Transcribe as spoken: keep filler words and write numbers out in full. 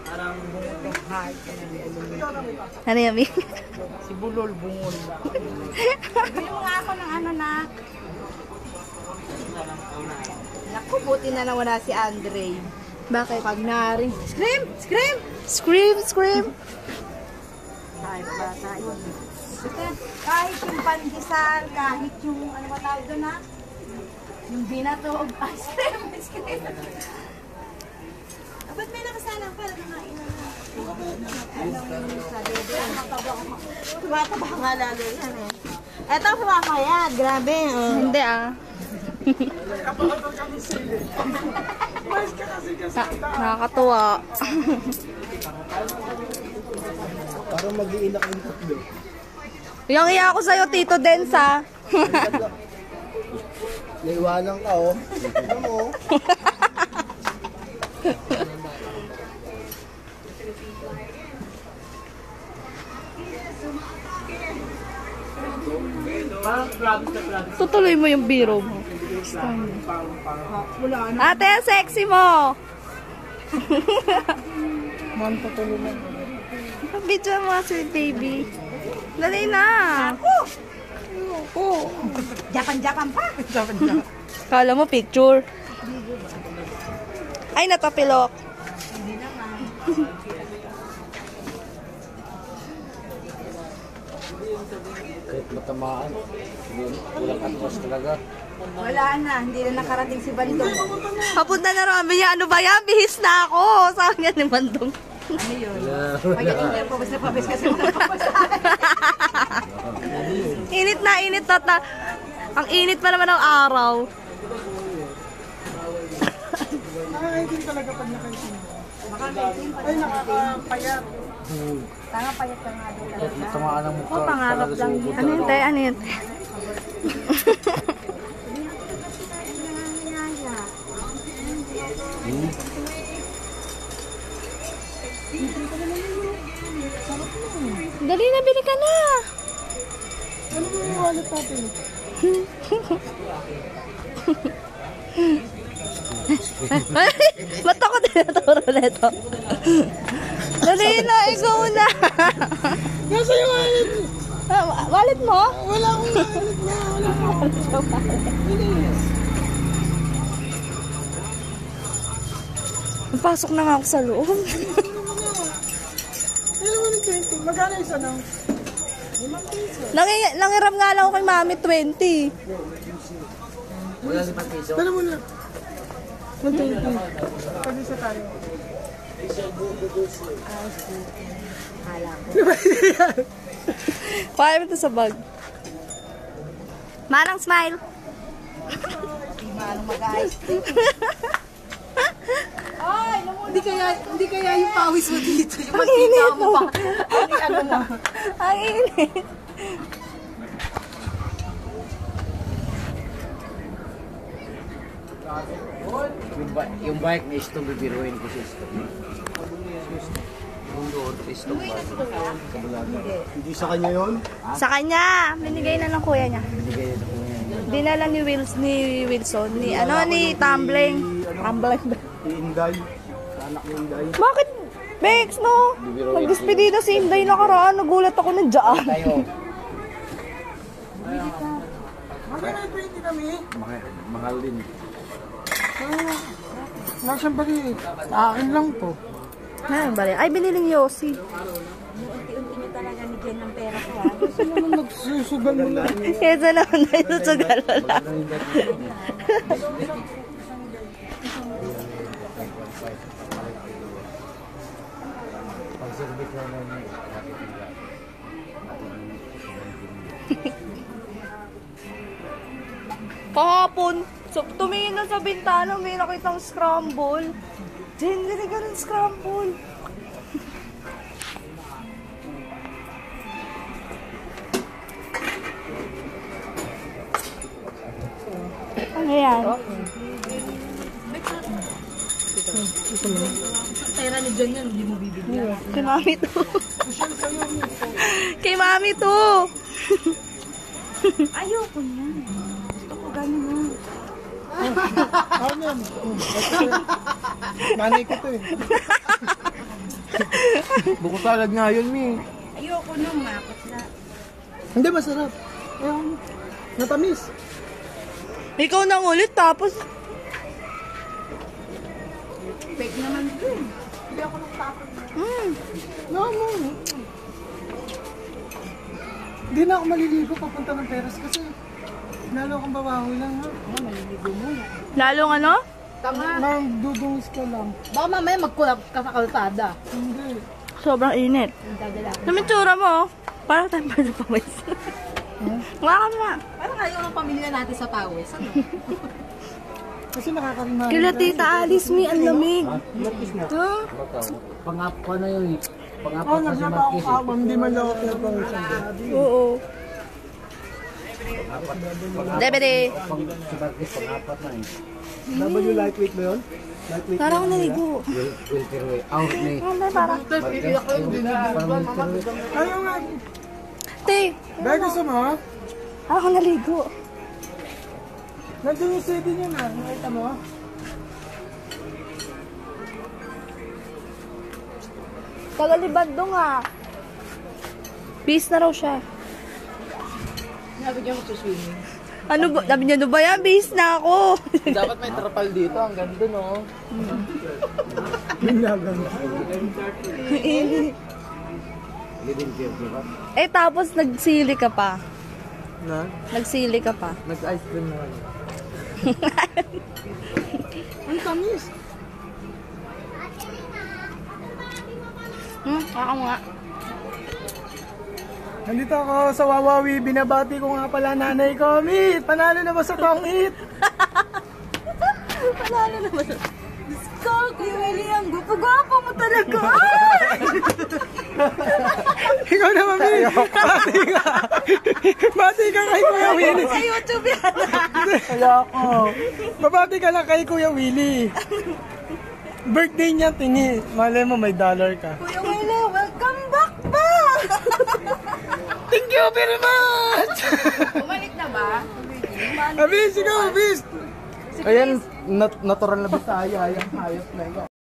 Parang bungol ng heart. Ano yan, Mi? Si Bulol, bungol. Bili mo nga ako ng ano na. Naku, buti na nawala si Andre. Bakit? Pag naring. Scream! Scream! Scream! Scream! Kahit bata yun. Kahit yung pandesal, kahit yung ano ba tawag doon ha? Yung binatog. Ay, scream! Scream! Ba't may nakasalang pala nakain na na? Tumataba nga lalo yan eh. Eto, sumakayat. Grabe. Oh. Hindi ah. Nakakatuwa. Parang mag-iinak yung tatlo. Yung iya ako sa'yo, Tito Densa. Naiwanan ka, oh. Ano mo? Tutuloy mo yung biro mo. Ate, ang sexy mo! Man, tutuloy mo. Video mo, sweet baby. Dali na! Oo. Japan-japan pa! Japan-japan. Kala mo picture. Ay, natapilok. Hindi naman. Kahit matamaan. Walang atras talaga. Wala na, hindi na nakarating si Bandong. Papunta na rami niya, ano ba yan? Bihis na ako! Sabi niya ni Bandong. Ano yun? Wala. Hindi, pabas na pabas kasi wala pabas. Init na, init na. ta- Ang init pa naman ng araw. Nakakaitin talaga pag nakaitin. Ay, nakakapayat. Tanga payat ka nga doon Kahit matamaan ang mukha. Oh, pangarap talaga lang. sumubok Ano yun, talaga. te? Ano yun? Hmm? Dali na, bili ka na. Ano mo yung wallet natin? Ba't ako tinaturo nito? Dali na, ikaw na. Nasa yung wallet? Ah, wallet mo? Wala akong wallet na. Wala akong wallet. Pasok na nga ako sa loob. Ano mo ng twenty? Magkano isa ng? Limang piso. Nangi- nangiram nga lang ako kay Mami, twenty. Wala limang piso. Dala mo na. one twenty. Pag isa tayo. Kaya mo ito sa bag. Manang smile. Manong mag-ice. Ay, hindi kaya hindi kaya yung pawis mo dito, yung Ang init mo pa. Ano ano mo? Ang init. Yung, ba yung bike na istong bibiruin ko siya istong. Yung doon, istong ba? Hindi sa kanya yun? Sa kanya, binigay na ng kuya niya. Binigay na ko yan. Dinala ni Wills ni Wilson, ni ano ni Tumbling. Tumbling. Si Inday. Sa anak ni Inday. Bakit? Bex, no? Nagdespedida si Inday nakaraan. Nagulat ako na dyan. Tayo. Magkano yung twenty kami? Mahal, mahal din. Wala siyang bali. Akin lang to. Ano bali? Ay, biniling Yossi. Unti-unti nyo talaga ni Jen ng pera ko ha. Kasi naman nagsusugal mo na. Kesa naman na ito sa galala. Pag-service na namin. Kahapon, so, tumingin na sa bintana, may nakitang scramble. Jen, hindi ka ng scramble. Ano yan? Pera ni Jen yan, hindi mo bibigyan. Kay mami to. Kay mami to. Ayoko niyan. Gusto ko ganun. Ano yan? Nanay ko to eh. Buko salad nga yun, Mi. Ayoko nung mapos na. Hindi, masarap. Ayun, natamis. Ikaw nang ulit tapos Fake naman din. mm, No, no. Hindi na ako maliligo papunta ng Peras kasi lalo akong babaho lang ha. lalong ano? Nang dudungis ka lang. Baka mamaya magkulap ka sa kalsada. Hindi. Sobrang init. Namin tsura mo, oh. Parang tayo pa sa pawis. Nga ka na. Parang ayaw ng pamilya natin sa pawis. Ano? Kasi nakakarimahan. Kila Tita Alice, mi, ang lamig. Huh? Pangako na yun. Pangako Oh, kasi nagnapa ako Marquez. ako. Hindi man lang ako pero isang gabi. Oo. Debede. Pang si Marquez pangapat na eh. W lightweight ba yun? Lightweight. Parang ako naligo. Will Wilterway. Out ni. Ano, parang. Marquez. Parang Wilterway. Ayaw nga. Te, Dahil gusto mo? parang ako naligo. Nandun yung C D niya na. Nakita mo? Tagalibad do nga. Peace na raw siya. Sabi niya mag-swimming. Ano ba? Sabi niya, ano ba yan? Base na ako. Dapat may trapal dito. Ang ganda, no? Binagan. Living beer, di ba? Eh, tapos nagsili ka pa. Na? Nagsili ka pa. Nag-ice cream na. Ang tamis. Hmm, ako nga. Nandito ako sa Wawawi. Binabati ko nga pala nanay ko. Meet! Panalo na ba sa tong-it? Panalo naman. Diyos ko, Kuya William. Gupo-gupo mo talaga. Ikaw naman, Meet. Bati ka. Bati ka kay Kuya Willie. Sa YouTube yan. Kaya ako. Babati ka lang kay Kuya Willie. Birthday niya, tingi. Malay mo, may dollar ka. Kuya William, welcome back ba? Thank you very much! Bumalik na ba? Abis, ikaw, Abis! Ayan, nat natural na bisaya. Ayan, hayop na ikaw.